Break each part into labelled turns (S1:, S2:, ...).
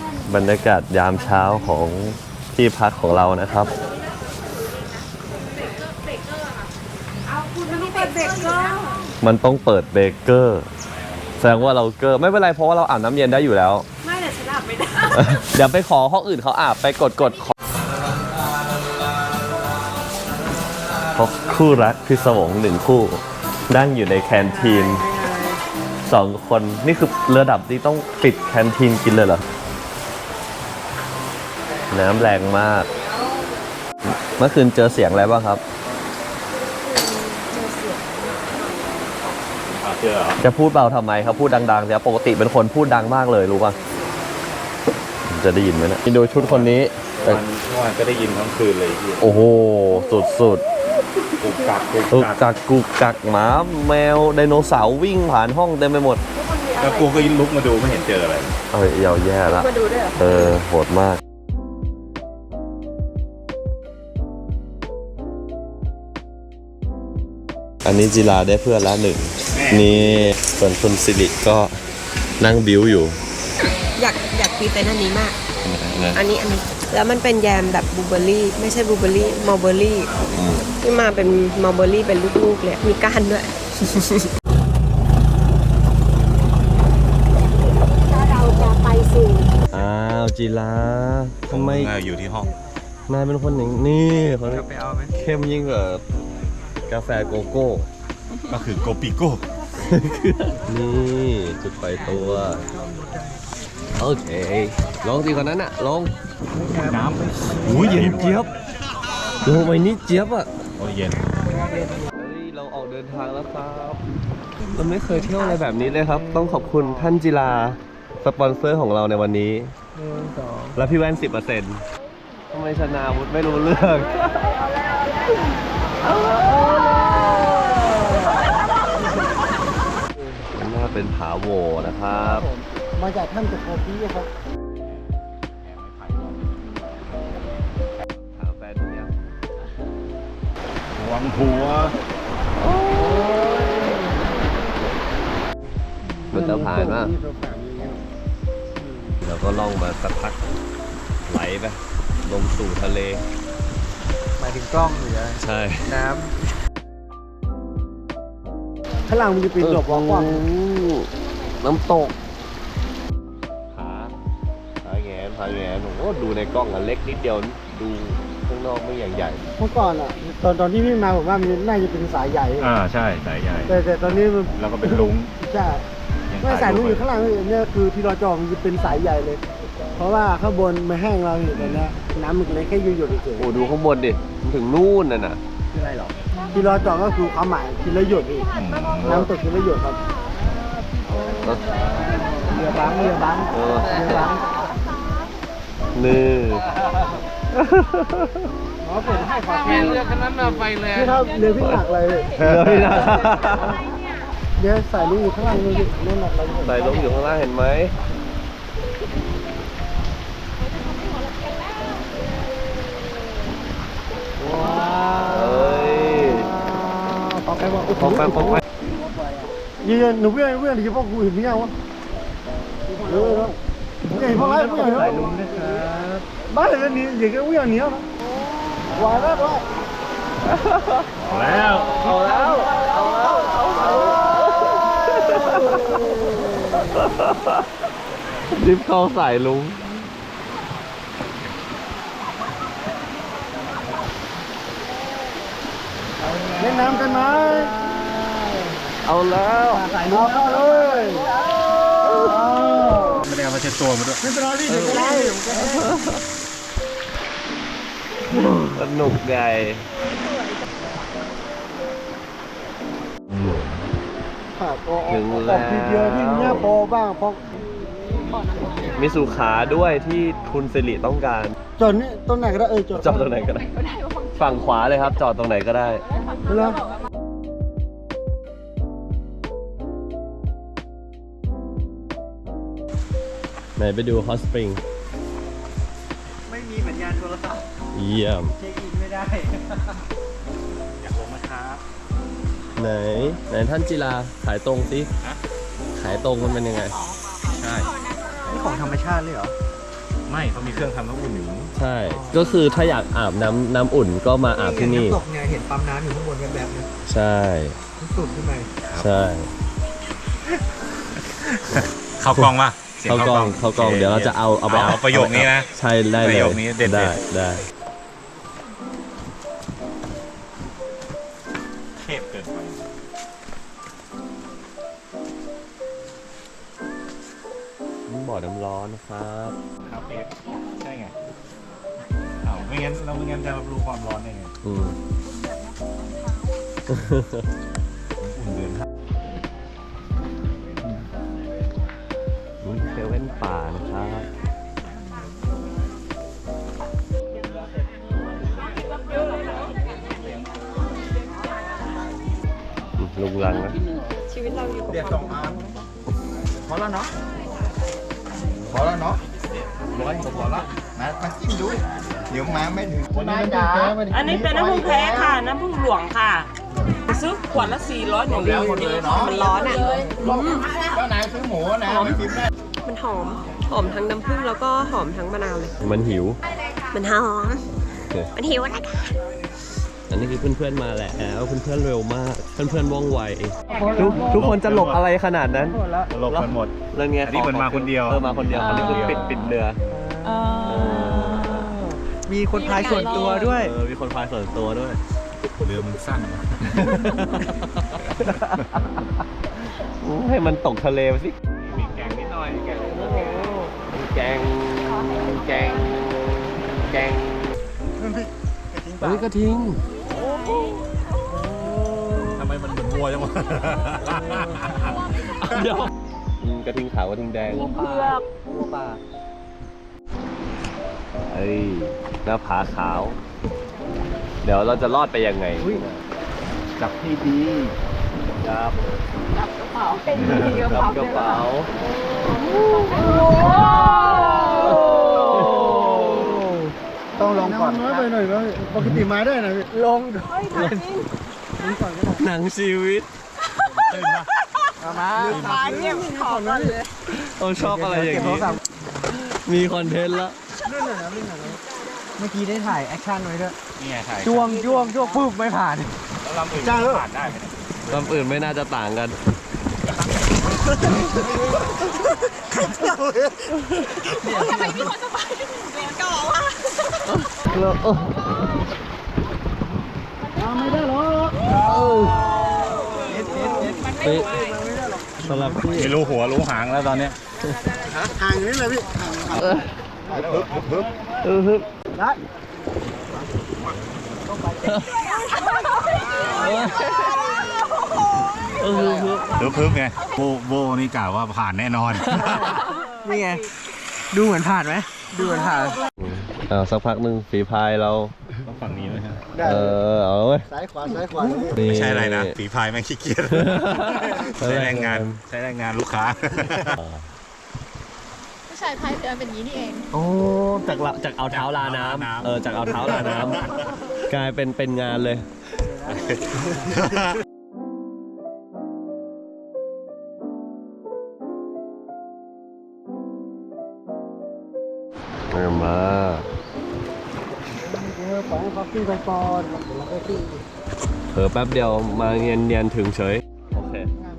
S1: บรรยากาศยามเช้าของที่พักของเรานะครับ มันต้องเปิดเบเกอร์แสดงว่าเราเกอร์ไม่เป็นไรเพราะว่าเราอาบน้ำเย็นได้อยู่แล้ว
S2: ไม่แต่ฉันอาบไม่ได้
S1: เดี๋ยวไปขอห้องอื่นเขาอาบไปกดขอคู่รักพิศวงหนึ่งคู่นั่งอยู่ในแคนทีน2 คนนี่คือระดับที่ต้องปิดแคนทีนกินเลยเหรอน้ำแรงมากเมื่อคืนเจอเสียงอะไรบ้างครับจะพูดเบาทำไมครับพูดดังๆแต่ปกติเป็นคนพูดดังมากเลยรู้ป่ะจะได้ยินไหมนะดูชุดคนนี้
S3: เมื่อวานก็ได้ยินทั้งคืนเลย
S1: โอ้โหสุด
S3: กุกกัก
S1: กุกกักหมาแมวไดโนเสาร์วิ่งผ่านห้องเต็มไปหมด
S3: แล้วกูก็ลุกมาดูไม่เห็นเจออะไร
S1: เอ้ยยาวแย่ละ
S2: มาดูด้วยเหรอ
S1: โหดมากอันนี้จิราได้เพื่อนละ1นี่ส่วนคุณสิริก็นั่งบิ้วอยู่
S2: อยากพรีเซนต์อันนี้มากอันนี้แล้วมันเป็นแยมแบบบลูเบอร์รี่ไม่ใช่บลูเบอร์รี่มัลเบอร์รี่ที่มาเป็นมัลเบอร์รี่เป็นลูกๆเลยมีก้านด้วยถ้าเราจะไปสู่
S1: จิราทำไม
S3: อยู่ที่ห้อง
S1: นายเป็นคนอย่างนี้เขาเข้มยิ่งกว่ากาแฟโกโก้
S3: ก็คือโกปิโก้
S1: นี่จุดไฟตัวโอเคลองสิคนนั้นอะลอง
S3: น้ำ
S1: อุ้ยเย็นเจี๊ยบลงไปนี่เจี๊ยบอะ
S3: โอ้ยเย็น
S1: เราออกเดินทางแล้วครับเราไม่เคยเที่ยวอะไรแบบนี้เลยครับต้องขอบคุณท่านจิราสปอนเซอร์ของเราในวันนี้แล้วพี่แว่น 10%ทำไมชนะวุฒิไม่รู้เรื่องน่าเป็นผาโหวนะครับ
S4: มาจากถ้ำตะโกปี้ครับ
S1: หาแฟนเนี่ย
S3: วังหัว
S1: มันจะผ่านมากแล้วก็ล่องมาสักพักไหลไปลงสู่ทะเล
S4: หมายถึงกล้องหรืออะไร
S1: ใช่
S4: น้ำข้างหลังมันจะเป็นดอกกว้าง
S1: น้ำตกผาแงนโอ้ดูในกล้องอันเล็กนิดเดียวดูข้างนอกไม่อย่างใหญ่
S4: เมื่อก่อนอ่ะตอนที่พี่มาผมว่ามันน่าจะเป็นสายใหญ่
S3: ใช่สายใหญ่
S4: แต่ตอนนี้
S3: เราก็เป็นลุง
S4: ใช่ไม่สายลุงอยู่ข้างหลังเนี่ยคือที่เราจองมันจะเป็นสายใหญ่เลยเพราะว่าข้างบนมันแห้งเราเห็นตอนนี้น้ำมันเลยแค่หยดเฉย
S1: โอ้ดูข้างบนดิถึงนู่นน่ะ
S4: คืออะไรหรอที่เราจองก็คือความหมายทีละหยดอีกน้ำตกทีละหยดครับเรือบัง
S1: นี่
S4: ผมให้ขอแทน
S2: เรือคันนั้นมาไปเลย
S4: นี่ครับเรือพี่หนักเลยเดี๋ยวใส่ลูกอยู่ข้างล่างเลยนั่นหนักเลย
S1: ใส่ลูกอยู่ข้างล่างเห็นไหม
S4: ว้าวปอกไปยืนหนูเพื่อนที่พ่อกูเห็นพี่ยังวะเห็นพ่อไรพี่ยังใส่ลุงนะครับบ้านเลยนี่อย่างเงี้ยพี่ยังเหนียวนะวายแล้วด้วย
S1: เอาแล้วดิฟเข้าใส่ลุง
S4: เล่นน้ำกันไหม
S1: เอาแล้ว
S4: ใส่ลุงเข้าเลย
S3: ไม่ได้เอามาเช็ดตัวมาด้วย
S4: ไม่เป็นไรพี่เดี๋ยวได้
S1: สนุกใหญ่
S4: ถึงแล้วทีเดียวที่เนี่ยโปบ้างเพราะ
S1: มีสุขาด้วยที่คุณสิริต้องการ
S4: จอดนี่ตรงไหนก็ได้
S1: จอดตรงไหนก็ได้ฝั่งขวาเลยครับจอดตรงไหนก็ได้
S4: แล้ว
S1: ไหนไปดูฮอตสปริง
S4: ไม่มีสัญญาณโทรศัพท์
S1: เยี่ยม
S4: เช็คอินไม่ได้
S3: อยากลงมาครับ
S1: ไหนท่านจิราขายตรงสิขายตรงมันเป็นยังไง
S3: ใช่
S4: นี่ของธรรมชาติเลยเหรอ
S3: ไม่เขามีเครื่องทำน้ำอุ่นอยู่
S1: ใช่ ก็คือถ้าอยากอาบน้ำอุ่นก็มาอาบที่นี่
S4: น้ำตกเนี่ยเห็นปั๊มน้ำอยู่ข้างบนแบบๆนะ
S1: ใช่
S4: สุดขึ้นไป
S1: ใช่
S3: เข้ากล้องป่ะสีย
S1: เข้ากล้องเดี๋ยวเราจะเอาไป
S3: เอาประโยคนี้นะ
S1: ใช่ได้เลย
S3: ประโยคนี้เด็ดๆ
S1: ได้
S3: เทพเกินไป
S1: บ่อน้ำร้อนนะครับ
S3: ครับเอฟใช่ไงอ้าวไม่งั้นจะรับรู้ความร้อนได้ไง
S1: อืม
S3: อุ่นเดือนห้า
S1: นี่เซเว่นป่านะครับ ลุงลังนะ
S2: ชีวิตเราอยู่กับ
S4: เดี๋ยว
S2: ความ
S4: 2 อันพอแล้วเนาะพอแล้วเนาะร้อยพอแล้วมาจิ้มดูเดี๋ยวมาไม่ถึงคนนั้นจ๋า
S5: อันนี้เป็นน้ำผึ้งแท้ค่ะ น้ำผึ้งหลวงค่ะ ซื้อขวดละ400อย่างเดียว
S2: มันร้อนอ่ะ
S4: เจ้านายซื้อหมูนะไม่กินได้
S2: มันหอมทั้งน้ำผึ้งแล้วก็หอมทั้งมะนาวเลย
S1: มันหิว
S2: มันหอม มันหิวนะคะ
S1: อันนี้คือเพื่อนๆมาแล้วเพื่อนๆเร็วมาก เพื่อนๆว่องไวทุกคนจะหลบอะไรขนาดนั้น
S3: ตลบกันหมด
S1: นั่นไง
S3: อันนี้เหมือนมาคนเดียว
S1: มาคนเดียวอันนี้คือปิดเรือ
S4: มีคนพายส่วนตัวด้วย
S1: มีคนพายส่วนตัวด้วย
S3: เรือมันสั้น
S1: ให้มันตกทะเลไปสิ
S3: มีแกงนิดหน่อยแกง
S1: แกงเฮ้ยกระทิง
S3: ทำไมมันเหมือนวัวจังวะ
S1: เดี๋ยวกระทิงขาวกระทิงแดง
S5: เผือก
S1: เฮ้ยหน้าผาขาว เดี๋ยวเราจะรอดไปยังไง
S3: จับให้ดี
S1: จับ
S5: กระเป๋าเป็น
S1: จับกระเป๋า
S4: ต้องลองก่อนน้อยไปหน่อยนะปกติมาได้นะลง
S1: หนังชีวิต
S4: มา
S5: มาเยี่ยมขอก่อนเลย
S1: เราชอบอะไรอย่างนี้ มีคอนเทนต์แล้ว
S4: เมื่อกี้ได้ถ่ายแอคชั่นไว้ด้วย
S3: นี่ไงถ่าย
S4: จ้วงปุ๊บไม่ผ่าน
S3: แล้วลำอื่น
S4: จ้างแล้ว
S3: ผ่านได้ไหมเนี่ย
S1: ลำอื่นไม่น่าจะต่างกัน
S5: ทำไมพี่คนสบายเรียนก่อวะ
S4: ไม่ได้หรอก
S1: สำหรับพี่
S3: ไม่รู้หัวรู้หางแล้วตอนเนี้ย
S4: ห่างอยู่นี่เลยพี่ห่าง
S1: ฮึบ
S4: ได้
S3: พึบไงโบนี่กล่าวว่าผ่านแน่นอน
S4: นี่ไงดูเหมือนผ่านไหมดูเหมือนผ่าน
S1: สักพักหนึ่งฝีพายเรา
S3: ต้องฝั่งนี้ไหมครับ
S1: เอาเว้ย
S4: ซ้ายขวาซ้ายขวา
S3: ไม่ใช่อะไรนะฝีพายแม่งขี้เกียจใช้แรงงานลูกค้า
S6: ผู้ชายพายเรือเป็นอย่างนี้นี่เอง
S1: โอ้จากเอาเท้าลาน้ำจากเอาเท้าลาน้ำกลายเป็นงานเลยมา
S4: ปล่อยให้เขาขึ้นไปก่อนแล้วก็ขึ้น
S1: เผลอแป๊บเดียวมาเนียนถึงเฉย โอเค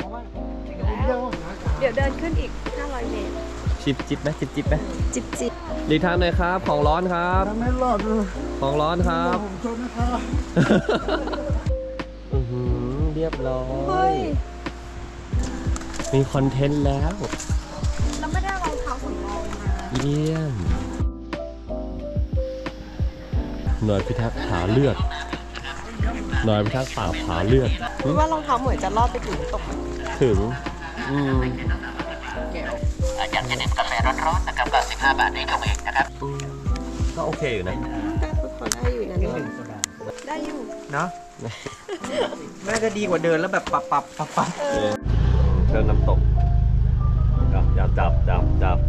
S2: เดี๋ยวเดินขึ้นอีก 500 เมตร
S1: จิบไหมจิบไหม
S2: จิบจิบ
S1: หลีกทางหน่อยครับ ของร้อนครับ
S4: ไม่รอดเลย
S1: ของร้อนครับ
S4: ผมชนนะครับ
S1: เรียบร้อ
S2: เฮ้
S1: ย
S2: ย
S1: มีคอนเทนต์แล้ว
S2: เราไม่ได้รองเท้าสำรองมา
S1: เยี่ยม หน่วยพิทักษ์ผาเลือด หน่วยพิทักษ์ป่าผาเลือด
S2: คิดว่ารองเท้าเหมือนจะรอดไปถึงตกไหม
S1: ถึง
S7: อยากจะดื่มกาแฟร้อนๆนะครับก็15 บาทเองเองนะครับ
S1: ก็โอเคอยู่นะ
S2: ก็พอได้อยู่นะเนี่ยได้อยู่
S4: เนาะน่าจะดีกว่าเดินแล้วแบบปับ
S1: เชิญน้ำตกจับ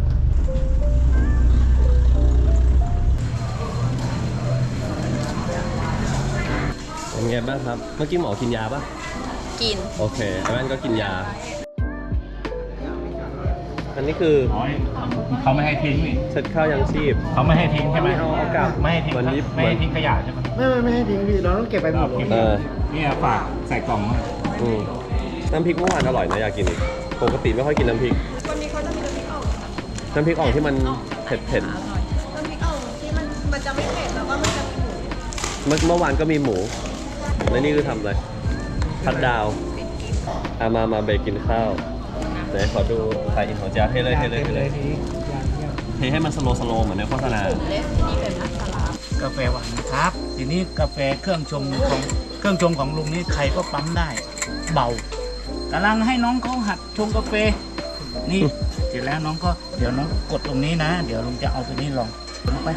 S1: เป็นไงบ้างครับ เมื่อกี้หมอกินยาป่ะ
S6: กิน
S1: โอเคไอ้แว่นก็กินยาอันนี้คือ
S3: อ๋อเขาไม่ให้ทิ้งนี่
S1: เช็ดข้าวยังชีพ
S3: เขาไม่ให้ทิ้งใช่ไหม
S1: เอากลับ
S3: ไม่ให้ทิ้ง
S1: วันนี้
S3: ไม่ให้ทิ้งขยะใช่ไหม
S4: ไม่ให้ทิ้งพี่เราต้องเก็บไปหมดเลย
S3: เนี่ยฝากใส่กล่องมา
S1: อืมน้ำพริกเมื่อวานอร่อยนะอยากกินอีกปกติไม่ค่อยกินน้ำพริก
S2: วันนี้เขาจะมีน้ำพริกอ่อง
S1: น้ำพริกอ่องที่มันเผ็ด
S2: น้ำพริกอ่องที่มันจะไม่เผ็ดแล้วก็มันจะมีหมู
S1: ๆเมื่อวานก็มีหมูและนี่คือทำอะไรพัดดาวมาเบรกกินข้าวไหนขอดูไข่อินของเจ้าให้เลยเทให้มันสโลว์เหมือนในโฆษณา
S3: กาแฟหวานนะครับ ทีนี้กาแฟเครื่องชงของลุงนี่ใครก็ปั๊มได้ เบากำลังให้น้องเขาหัดชงกาแฟ นี่เสร็จแล้วน้องก็เดี๋ยวน้องกดตรงนี้นะ เดี๋ยวลุงจะเอาตัวนี้ลองลงไป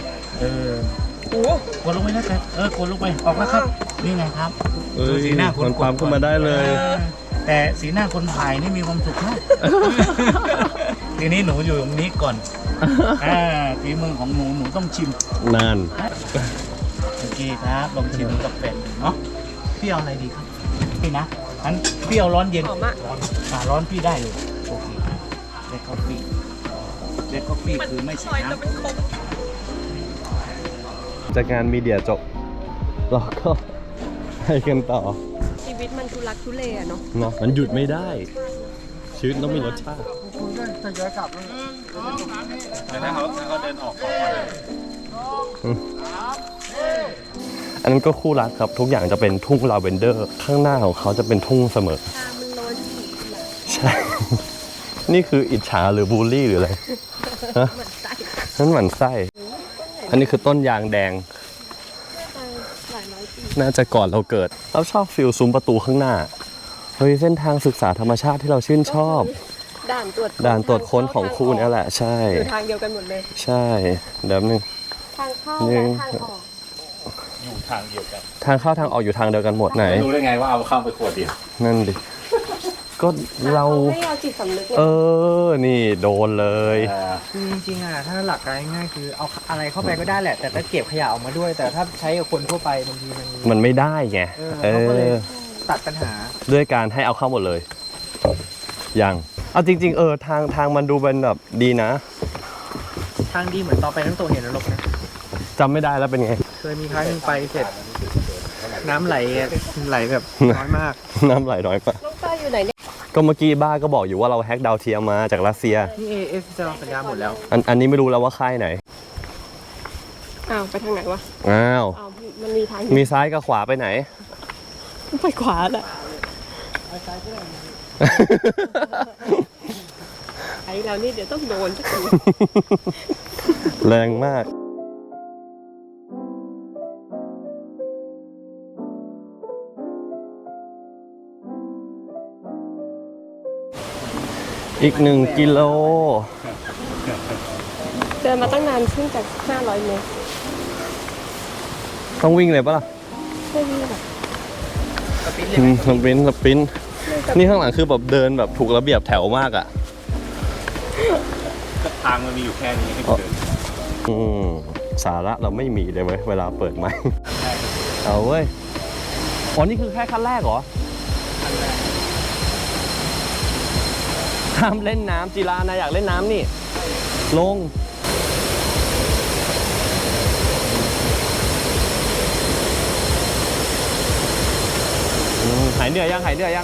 S3: กดลงไปนะครับกดลงไปออกแล้วครับ นี่ไงครับ
S1: เอ้ย
S3: ดูสีหน้าคน
S1: มันปั๊มขึ้นมาได้เลย
S3: แต่สีหน้าคนถ่ายนี่มีความสุขมาก ทีนี้หนูอยู่ตรงนี้ก่อนฝีมือของหนูต้องชิม
S1: นาน
S3: โอเคครับลองชิมกาแฟเนาะพี่เอาอะไรดีครับพี่นะงั้นพี่เอาร้อนเย็น
S2: หอมอะ
S3: ร้อนพี่ได้เลยโอเคเด็กกาแฟคือไม่ใช่น้ำ
S1: จากงานมีเดียจบเราก็ให้กันต่อ
S2: ชีวิตมันทุลักทุเลอะเนาะ
S1: เนาะมันหยุดไม่ได้ ชีวิตต้องมีรสชาติ
S4: คุณก็ทยอยกลับแล้ว
S3: แต่ถ้าเขาเดินออกก่อน
S1: อันนั้นก็คู่รักครับ ทุกอย่างจะเป็นทุ่งลาเวนเดอร์ ข้างหน้าของเขาจะเป็นทุ่งเสมอ
S2: ตามันโรยสี
S1: ใช่ นี่คืออิจฉาหรือบูลลี่หรืออะไรฮะ
S2: เหมือนใส่
S1: นั่นหมั่นไส้ อันนี้คือต้นยางแดง
S2: หลายร้อยปี
S1: น่าจะก่อนเราเกิด เราชอบฟิลซุ้มประตูข้างหน้า เฮ้ยเส้นทางศึกษาธรรมชาติที่เราชื่นชอบ
S2: ด่านตรวจ
S1: ด่านตรวจค้นของครูนี่แหละ ใช่
S2: อยู่ทางเดียวกันหมดเลย
S1: ใช่ เดี๋ยวนึง
S2: ทางเข้า
S1: หนึ่
S2: และ
S1: ง
S2: ทางออก
S3: อยู่ทางเดียวกัน
S1: ทางเข้าทางออกอยู่ทางเดียวกันหมดไหน
S3: รู้ได้ไงว่าเอาเข้าไปขวดเดียว
S1: นั่นดิ ก็เรา
S2: ให้เราจิตสำนึกไง
S1: นี่โดนเลย
S8: คือจริงๆอะถ้าหลักการง่ายๆคือเอาอะไรเข้าไปก็ได้แหละ แต่ถ้าเก็บขยะออกมาด้วย แต่ถ้าใช้กับคนทั่วไปบางทีมัน
S1: มันไม่ได้ไง
S8: เขาก็เลยตัดปัญหา
S1: ด้วยการให้เอาเข้าหมดเลยยังเอาจริงๆทางมันดูเป็นแบบดีนะ
S8: ทางดีเหมือนตอนไปทั้งตัวเห็นนรกนะ
S1: จำไม่ได้แล้วเป็นไง
S8: เคยมีครั้งหนึงไปเสร็จ น้ำไหลแบบน้อยมาก
S1: น้ำไหลน้อยปะ
S2: น้องป้าอยู่ไหนเนี่ย
S1: ก็เมื่อกี้บ้าก็บอกอยู่ว่าเราแฮกดาวเทียมมาจากรัสเซีย
S8: นี่ AF จะสัญญาหมดแล้ว
S1: อันนี้ไม่รู้แล้วว่าค่ายไหน
S2: อ้าวไปทางไหนวะ
S1: อ้าว
S2: อ้าวมันมีทาง
S1: มีซ้ายกับขวาไปไหน
S2: ไปขวาแหละไอ้เรานี่เดี๋ยวต้องโดนสักที
S1: แรงมาก อีก1 กิโล
S2: เดินมาตั้งนานขึ้นจาก500 เมตร
S1: ต้องวิ่งเลยปะล่ะ
S2: ไม่วิ่งแบบ
S1: สปรินต์นี่ข้างหลังคือแบบเดินแบบถูกระเบียบแถวมากอ่ะ
S3: ทางมันมีอยู่แค่นี้ให้เดิน
S1: สาระเราไม่มีเลยเว้ยเวลาเปิดไมค์เอาเว้ยอ๋อนี่คือแค่ขั้นแรกเหรอห้ามเล่นน้ำจีรานะอยากเล่นน้ำนี่ ลง หายเหนื่อยยังหายเหนื่อย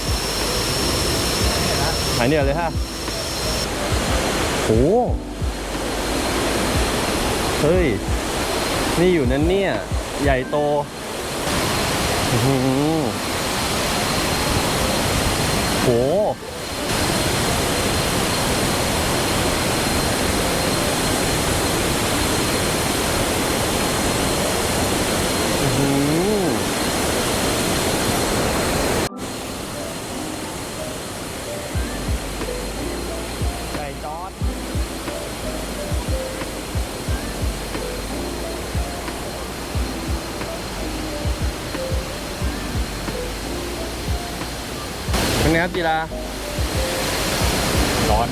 S1: เลยฮะโอ้เฮ้ย นี่อยู่นั่นเนี่ย ใหญ่โตอื้อหือโหอื้อหือไก่จอด เป็นไงครับจีราร้อน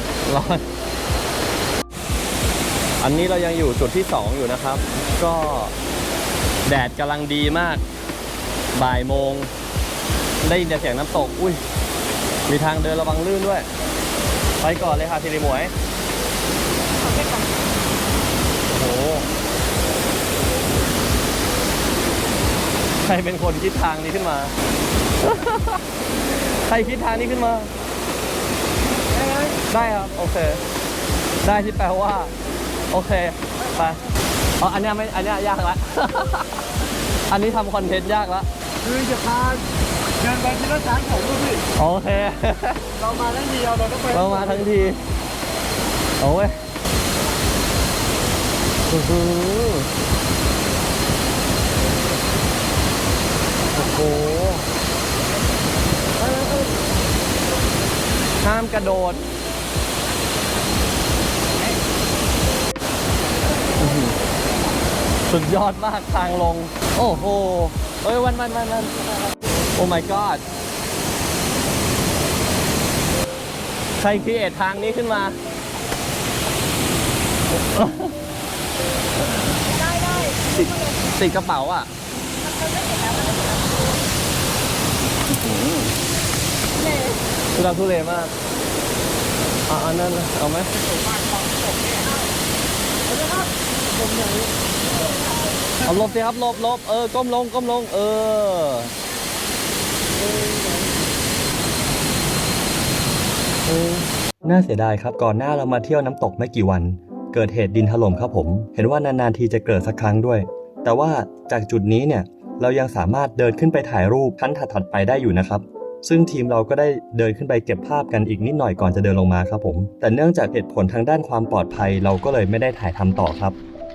S1: อันนี้เรายังอยู่จุดที่ 2 อยู่นะครับ ก็แดดกำลังดีมาก บ่ายโมง ได้ยินแต่เสียงน้ำตก อุ้ย มีทางเดินระวังลื่นด้วยไปก่อนเลยค่ะทีรีหมวยโอ้โหใครเป็นคนคิดทางนี้ขึ้นมา ใครคิดทางนี้ขึ้นมา ได้ครับ โอเค ได้ที่แปลว่า โอเค ไปอ๋ออันเนี้ยไม่ อันเนี้ยยากละ อันนี้ทำคอนเทนต์ยากละ
S4: คือจะพาเดินไปที่รถช้างของลูกพี่
S1: โอเค
S4: เรามาทั้งทีเราต้องไป
S1: เรามาทั้งที โอ้ยโอ้โหโอ้โหห้ามกระโดดสุดยอดมากทางลง โอ้โหเอ้ยวันโอ้ my god ใครครีเอททางนี้ขึ้นมา ติดกระเป๋าอ่ะทุลักทุเลมากอันนั้นเอาไหมเอาหลบสิครับหลบก้มลงน่าเสียดายครับก่อนหน้าเรามาเที่ยวน้ำตกไม่กี่วันเกิดเหตุดินถล่มครับผมเห็นว่านานๆทีจะเกิดสักครั้งด้วยแต่ว่าจากจุดนี้เนี่ยเรายังสามารถเดินขึ้นไปถ่ายรูปขั้นถัดๆไปได้อยู่นะครับซึ่งทีมเราก็ได้เดินขึ้นไปเก็บภาพกันอีกนิดหน่อยก่อนจะเดินลงมาครับผมแต่เนื่องจากเหตุผลทางด้านความปลอดภัยเราก็เลยไม่ได้ถ่ายทำต่อครับ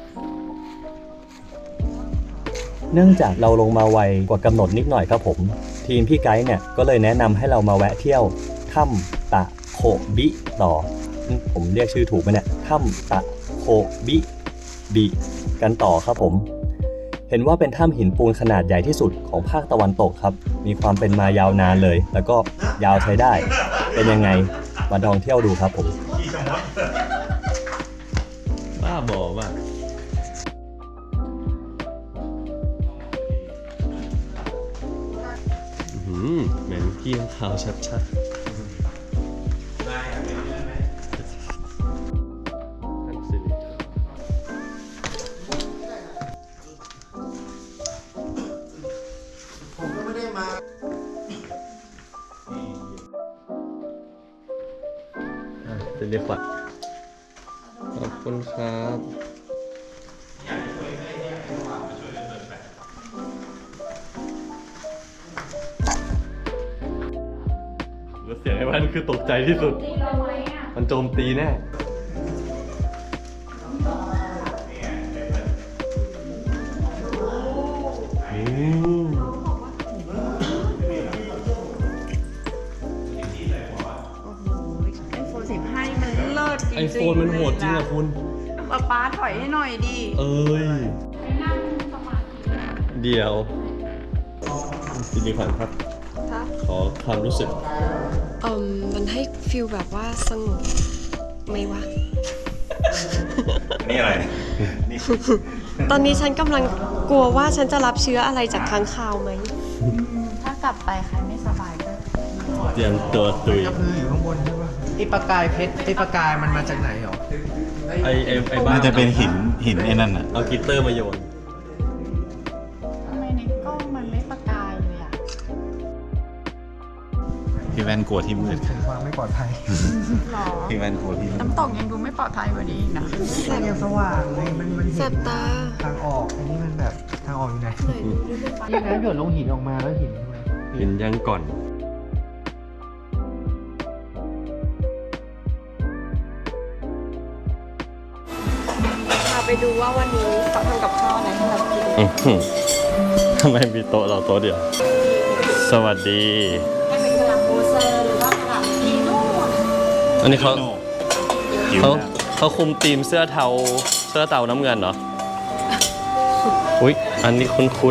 S1: เนื่องจากเราลงมาไวกว่ากำหนดนิดหน่อยครับผมทีมพี่ไกด์เนี่ยก็เลยแนะนำให้เรามาแวะเที่ยวถ้ำตะโคบิต่อผมเรียกชื่อถูกไหมเนี่ยถ้ำตะโคบิกันต่อครับผมเห็นว่าเป็นถ้ำหินปูนขนาดใหญ่ที่สุดของภาคตะวันตกครับมีความเป็นมายาวนานเลยแล้วก็ยาวใช้ได้เป็นยังไงมาลองเที่ยวดูครับผมบ้าบอมากเหม็นเกี้ยงขาวชัดๆเรียกว่าขอบคุณครับแล้วเสียงไอ้แว่นคือตกใจที่สุดมันโจมตีแน่ไอโฟนมันโหดจริงอะคุณ
S6: ป๊าถอยให้หน่อยดิ
S1: เอ้ยเดี๋ยวจินิพันธ์ครับขอความรู้สึก
S2: มันให้ฟิลแบบว่าสงบไหมวะ
S1: นี่อะไร
S2: ตอนนี้ฉันกำลังกลัวว่าฉันจะรับเชื้ออะไรจากค้างคาวไหม
S6: ถ้ากลับไปใครไม่สบายก็
S1: เตรียมตัวตุย
S8: กระพืออยู่ข้างบนใช่ปะไอประกายเพชรไอประกายมันมาจากไหนหรอ
S1: ไอ้บ้า
S9: น่าจะเป็นหินไอ้นั่นอ่ะ
S1: เอากิตเตอร์มาโยน
S6: ทำไมในกล้องมันไม่ประกายเลยอ่ะ
S9: พี่แว่นกลัวที่มืด
S8: ถึงความไม่ปลอดภัย
S6: หรอ
S9: พี่แว่นกลัวที่มืด
S6: น้ำตกยังดูไม่ปลอดภัยกว่านี้อีกนะ
S8: แสงยังสว่างเลยมันเห็
S2: แส
S8: น
S2: บตา
S8: ทางออกอันนี้มันแบบทางออกอยู่ไหนนี่น้ำหยดลงหินออกมาแล้วหินทำไม
S1: กินยังก่อน
S2: พาไปดูว่าวันนี้เขาทำกับข้าวอะไรให้เรากิน
S1: ทำไมมีโต๊ะเราโต๊ะเดียว สวัสดี
S6: ให้เป็นกระหล่ำโบเซอร์หรือว่ากระหล่ำพีโน่
S1: อันนี้เขา
S9: หิว
S1: เขา
S9: นะ
S1: เขาคุมทีมเสื้อเทาน้ำเงินเหรอ อุ๊ย อันนี้คุ้น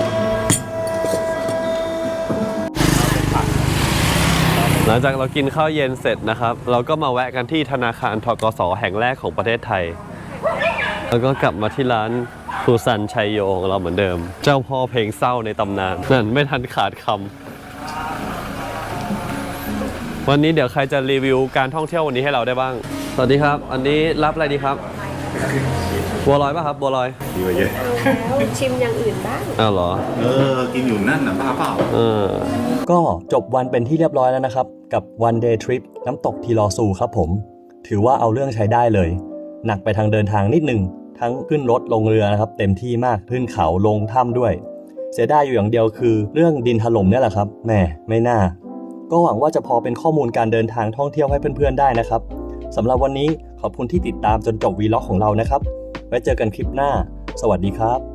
S1: ๆหลังจากเรากินข้าวเย็นเสร็จนะครับ เราก็มาแวะกันที่ธนาคารธกส.แห่งแรกของประเทศไทย แล้วก็กลับมาที่ร้านครูซันชัยโยของเราเหมือนเดิม เจ้าพ่อเพลงเศร้าในตำนานนั่นไม่ทันขาดคำวันนี้เดี๋ยวใครจะรีวิวการท่องเที่ยววันนี้ให้เราได้บ้าง สวัสดีครับ อันนี้รับอะไรดีครับ บัวลอยป่ะครับ บัวลอย
S9: ดีกว่าเยอะ
S2: แล้วชิมอย่างอื่นบ้าง
S1: อ้าวเหรอ
S9: กินอยู่นั่นน่ะบ้าเปล่า
S1: ก็จบวันเป็นที่เรียบร้อยแล้วนะครับ กับ one day trip น้ำตกทีลอซูครับผม ถือว่าเอาเรื่องใช้ได้เลย หนักไปทางเดินทางนิดนึง ทั้งขึ้นรถลงเรือนะครับเต็มที่มากขึ้นเขาลงถ้ำด้วย เสียดายอยู่อย่างเดียวคือเรื่องดินถล่มเนี่ยแหละครับแหมไม่น่า ก็หวังว่าจะพอเป็นข้อมูลการเดินทางท่องเที่ยวให้เพื่อนๆได้นะครับสำหรับวันนี้ขอบคุณที่ติดตามจนจบวีล็อกของเรานะครับไว้เจอกันคลิปหน้าสวัสดีครับ